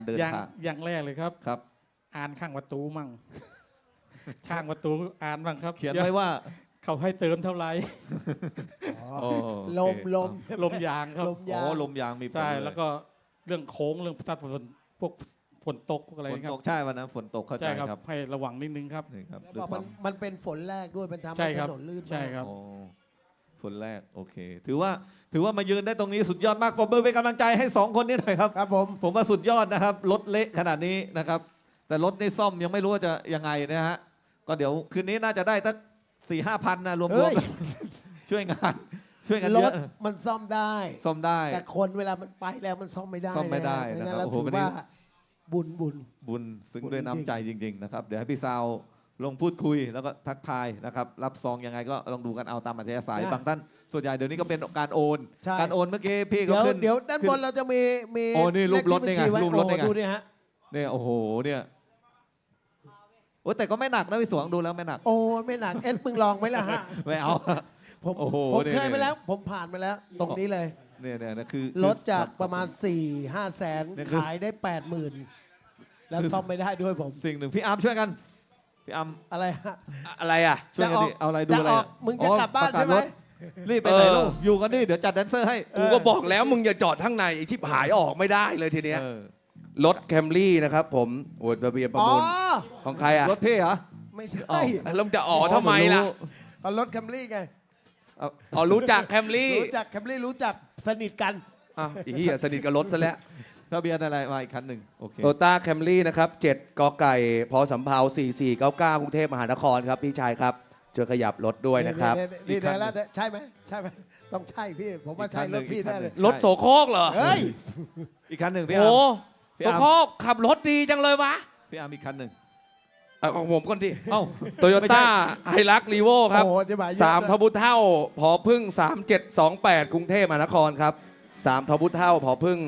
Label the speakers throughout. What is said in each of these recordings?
Speaker 1: เดินทาง
Speaker 2: อย่างแรกเลยครับ
Speaker 1: ครับ
Speaker 2: อ่านข้างประตูมั่งข้างประตูอ่านบ้างครับ
Speaker 1: เขียนไว้ว่า
Speaker 2: เขาให้เติมเท่าไหร่
Speaker 3: ลม
Speaker 2: ยางครับ
Speaker 1: ลมยางมีผล
Speaker 2: ใช่แล้วก็เรื่องโค้งเรื่องทัดฝนพวกฝนตกอะไรครับ
Speaker 1: ใช่วันนั้นฝนตกเข้าใจครับ
Speaker 2: ให้ระวังนิดนึงครับ
Speaker 1: นี่ครับ
Speaker 3: แล้วมันเป็นฝนแรกด้วยมันทำให้ถนนลื่น
Speaker 2: ใช่ครับ
Speaker 1: ฝนแรกโอเคถือว่ามายืนได้ตรงนี้สุดยอดมากปรบมือเป็นกำลังใจให้2คนนี้หน่อยครับ
Speaker 3: ครับ
Speaker 1: ผมว่าสุดยอดนะครับรถเละขนาดนี้นะครับแต่รถในซ่อมยังไม่รู้ว่าจะยังไงนะฮะก็เดี๋ยวคืนนี้น่าจะได้สัก4-5 พันนะรวมๆช่วยงานเยอะ
Speaker 3: มันซ่อมได้แต่คนเวลามันไปแล้วมันซ่อมไม่ได้
Speaker 1: นะครับ
Speaker 3: โอ้โหถือว่าบุญ
Speaker 1: ซึ้งด้วยน้ำใจจริงๆนะครับเดี๋ยวให้พี่ซาวลงพูดคุยแล้วก็ทักทายนะครับรับซองยังไงก็ลองดูกันเอาตามอัธยาศัยบางท่านส่วนใหญ่เดี๋ยวนี้ก็เป็นการโอนเมื่อกี้พี่ก็ขึ้น
Speaker 3: เดี๋ยวด้านบนเราจะมี
Speaker 1: โอ้นี่รูปรถนี่ไงรูปรถนี่ไง
Speaker 3: ดูนี่ฮะ
Speaker 1: เนี่ยโอ้โหเนี่ยโอ้แต่ก็ไม่หนักนะพี่สวงดูแล้วไม่หนัก
Speaker 3: โอ้ไม่หนักมึงลองไหมล่ะฮะ
Speaker 1: ไม่เอา
Speaker 3: ผมเคยไปแล้วผมผ่านมาแล้วตรงนี้เลย
Speaker 1: เนี่ยคือ
Speaker 3: รถจากประมาณ 4-5 แสนขายได้ 80,000แล้วซ่อมไม่ได้ด้วยผม
Speaker 1: สิ่งหนึ่งพี่อาร์มช่วยกันพี่อาร์ม
Speaker 3: อะไรฮะ
Speaker 1: อะไรอ่ะช่วยกันดิเอาอะไรดูอะไร
Speaker 3: มึงจะกลับบ้านใช่ไหม
Speaker 1: รีบไปไหนลูกอยู่กันนี่เดี๋ยวจัดแดนเซอร์ให้
Speaker 4: กูก็บอกแล้วมึงอย่าจอดข้างในไอ้ชิบหายออกไม่ได้เลยทีเนี้ยรถแคมรี่นะครับผมโอ้ยทะเบียนประมูลของใครอ่ะ
Speaker 1: รถพี่เหรอ
Speaker 3: ไม่ใช่
Speaker 4: แล้วจะอ๋อทำไมล่ะ
Speaker 3: เอารถแคมรี่ไง
Speaker 4: อ๋อรู้จักแคมรี่
Speaker 3: รู้จักแคมรี่รู้จักสนิทกัน
Speaker 4: อีเหี้ยสนิทกับรถซะแล้ว
Speaker 1: ทะเบียนอะไรมาอีกคันหนึ่งโอเค
Speaker 4: โตต้าแคมรี่นะครับ7กไก่พสำเภา4499กรุงเทพมหานครครับพี่ชายครับช่วยขยับรถด้วยนะครับ
Speaker 3: นี่ได้แล้วใช่ไหมต้องใช่พี่ผมว่าใช่รถพี่แน่เลย
Speaker 4: รถโสโครกเหรอ
Speaker 3: เฮ้ย
Speaker 1: อีกคันหนึ่งพี่อาร์ม
Speaker 4: โอ้โสโครกขับรถดีจังเลยวะ
Speaker 1: พี่อาร์มอีกคันหนึ่ง
Speaker 4: ของผมก่อนดิโตโยต้าไฮรักรีโวครับ3ทบุเท่าพอพึ่ง3728กรุงเทพมหานครครับ3ทบุเท่าพอพึ่ง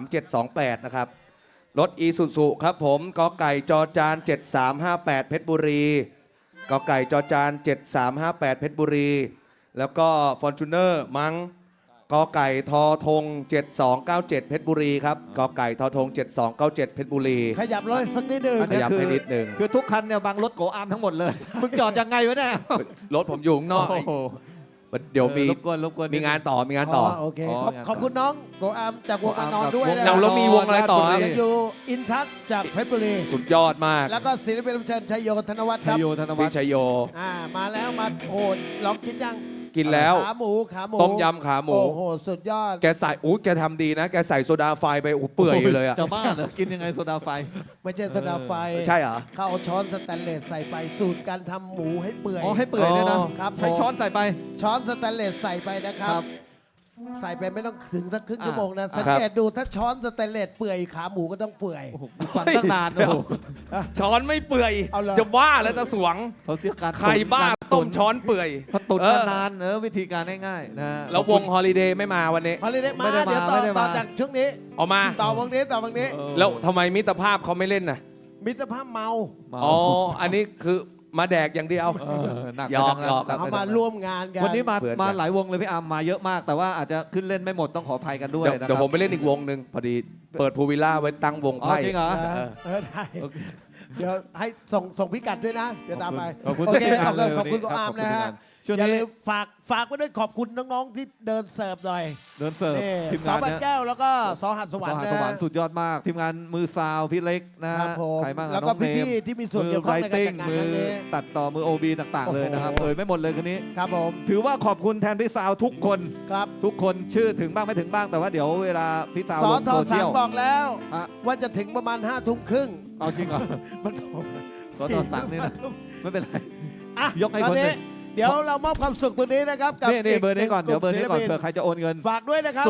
Speaker 4: 3728นะครับรถอีซูซุครับผมกไก่จอจาน7358เพชรบุรีกไก่จอจาน7358เพชรบุรีแล้วก็ฟอร์จูเนอร์มั้งกไก่ทอธง7297เพชรบุรีครับกไก่ทอธง7297เพชรบุรี
Speaker 3: ขยับรถสักนิดนึง
Speaker 4: ขยับให้นิดนึง
Speaker 1: คือทุกคันเนี่ยบางรถโกอาร์มทั้งหมดเลยมึงจอดยังไงวะเนี่ย
Speaker 4: รถผมอยู่ข้างนอกเดี๋ยวมีมีงานต่อ
Speaker 3: โอเคขอบคุณน้องโกอาร์มจากวงอนอนด้วย
Speaker 4: นะแล้วมีวงอะไรต่อ
Speaker 3: อยู่อินทัศจากเพชรบุรี
Speaker 4: สุดยอดมาก
Speaker 3: แล้วก็ศิลปินรับเชิญชัยโยธนวัฒน์ครับ
Speaker 4: พี่ชัยโย
Speaker 3: มาแล้วมาโอ้ลองกินยัง
Speaker 4: กินแล้ว
Speaker 3: ขาหมู
Speaker 4: ต้มยำขาหมู
Speaker 3: โอ้โหสุดยอด
Speaker 4: แกใส่แกทำดีนะแกใส่โซดาไฟไปเปื่อยเลยอะ
Speaker 1: จะบ้าเหรอกินยังไงโซดาไฟ
Speaker 3: ไม่ใช่โซดาไฟ
Speaker 4: ใช่เหรอ
Speaker 3: เขาเอาช้อนสแตนเลสใส่ไปสูตรการทำหมูให้เปื่อย
Speaker 1: ให้เปื่อยเนี่ยนะครับใช้ช้อนใส่ไป
Speaker 3: ช้อนสแตนเลสใส่ไปนะครับใส่ไปไม่ต้องถึงสักครึ่งชั่วโมงนะสังเกตดูถ้าช้อนสแตนเลสเปื่อยขาหมูก็ต้องเปื่อย
Speaker 1: ฟังตั้งนาน
Speaker 4: ช้อนไม่เปื่อยจะบ้าแล้วจะสวงใครบ้าต้มช้อนเปื่อย
Speaker 1: ตุ๋นนานวิธีการง่ายๆนะ
Speaker 4: แล้ววงฮอลิเดย์ไม่มาวันนี้
Speaker 3: ฮอลิเดย์มาเดี๋ยวต่อจากช่วงนี้
Speaker 4: ออกมา
Speaker 3: ต่อวงนี้
Speaker 4: แล้วทำไมมิตรภาพเขาไม่เล่นน่ะ
Speaker 3: มิตรภาพเมา
Speaker 4: อ๋ออันนี้คือมาแดกอย่างเดียวหยอก
Speaker 3: เขามาร่วมงานกัน
Speaker 1: วันนี้มาหลายวงเลยพี่อาร์มมาเยอะมากแต่ว่าอาจจะขึ้นเล่นไม่หมดต้องขออภัยกันด้วย
Speaker 4: เดี๋ยวผมไปเล่นอีกวงหนึ่งพอดีเปิดพูวิลล่าไว้ตั้งวงไพ่
Speaker 1: จริงเหรอ
Speaker 3: ได้เดี๋ยวให้ส่งพิกัดด้วยนะเดี๋ยวตามไป
Speaker 1: โอเค
Speaker 3: ขอบคุณคุณอาร์มนะฮะอย่าลืมฝากไว้ด้วยขอบคุณน้องๆที่เดินเสิร์ฟหน่อย
Speaker 1: เดินเสิร์ฟ
Speaker 3: ทีมงานบันแก้วแล้วก็สหัสสวรรค์
Speaker 1: สุดยอดมากทีมงานมือซาวพี่เล็กนะใครบ้าง
Speaker 3: แล้วก็พี่ๆที่มีส่วนเกี่ยวข้องในการจัดงานครั้งนี้
Speaker 1: ตัดต่อมือโอบีต่างๆเลยนะครับไม่หมดเลยคนนี้
Speaker 3: ครับผม
Speaker 1: ถือว่าขอบคุณแทนพี่ซาวทุกคน
Speaker 3: ครับ
Speaker 1: ทุกคนชื่อถึงบ้างไม่ถึงบ้างแต่ว่าเดี๋ยวเวลาพี่ซาวลงโซเชียล
Speaker 3: บอกแล้วว่าจะถึงประมาณ5 ทุ่มครึ่ง
Speaker 1: เอาจริงเหรอ
Speaker 3: มันโทร
Speaker 1: สทสั่งนี่นะไม่เป็นไรยกให้คนนึง
Speaker 3: เดี๋ยวเรามอบความสุขตัวนี้นะครับ
Speaker 1: กับนี่เบอร์นี้ก่อนเดี๋ยวเบอร์นี้ก่อนเผื่อใครจะโอนเงิน
Speaker 3: ฝากด้วยนะครับ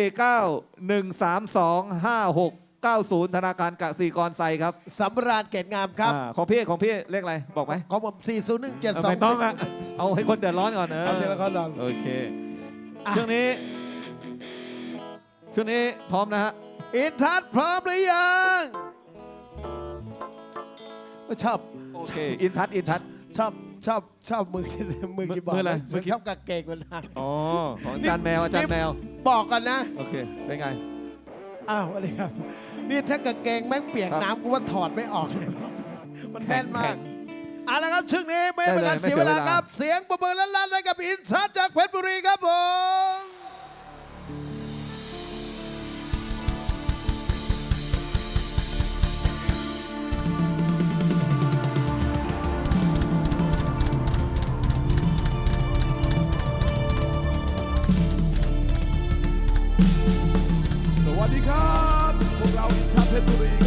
Speaker 1: 049-132-5690ธนาคารกสิกรไซครับ
Speaker 3: สำราญเกตงามครับ
Speaker 1: ของพี่เลขอะไรบอกไหม
Speaker 3: ของผม40172
Speaker 1: ไม่ต้องอะเอาให้คนเดือดร้อนก่อน
Speaker 3: เอาทีละคนก่อน
Speaker 1: โอเคช่วงนี้พร้อมนะฮะ
Speaker 3: อินทัศน์พร้อมหรือยังชอบ
Speaker 1: โอเคอินทัศน์
Speaker 3: ชอบมือกี่บอก
Speaker 1: อะไร
Speaker 3: มือชอบกางเกงมันนะ
Speaker 1: อ๋อของอาจารย์แมวบอก
Speaker 3: กันนะ
Speaker 1: โอเคเป็นไง
Speaker 3: สวัสดีครับนี่ถ้ากางเกงแม่งเปียก
Speaker 1: ครับ
Speaker 3: น้ำกูว่าถอดไม่ออกเลย มันแน่นมาก
Speaker 1: แข็ง
Speaker 3: เอาละครับชึ่งนี้ไม่เป็นการ
Speaker 1: ได้เลย
Speaker 3: เสียเวลา
Speaker 1: ไม่เสียเวลา
Speaker 3: ครับ เสียงประเมินลั่นๆให้กับอินชัดจากเพชรบุรีครับผม
Speaker 5: สวัสดีครับ พวกเราอินชาเพชรบุรี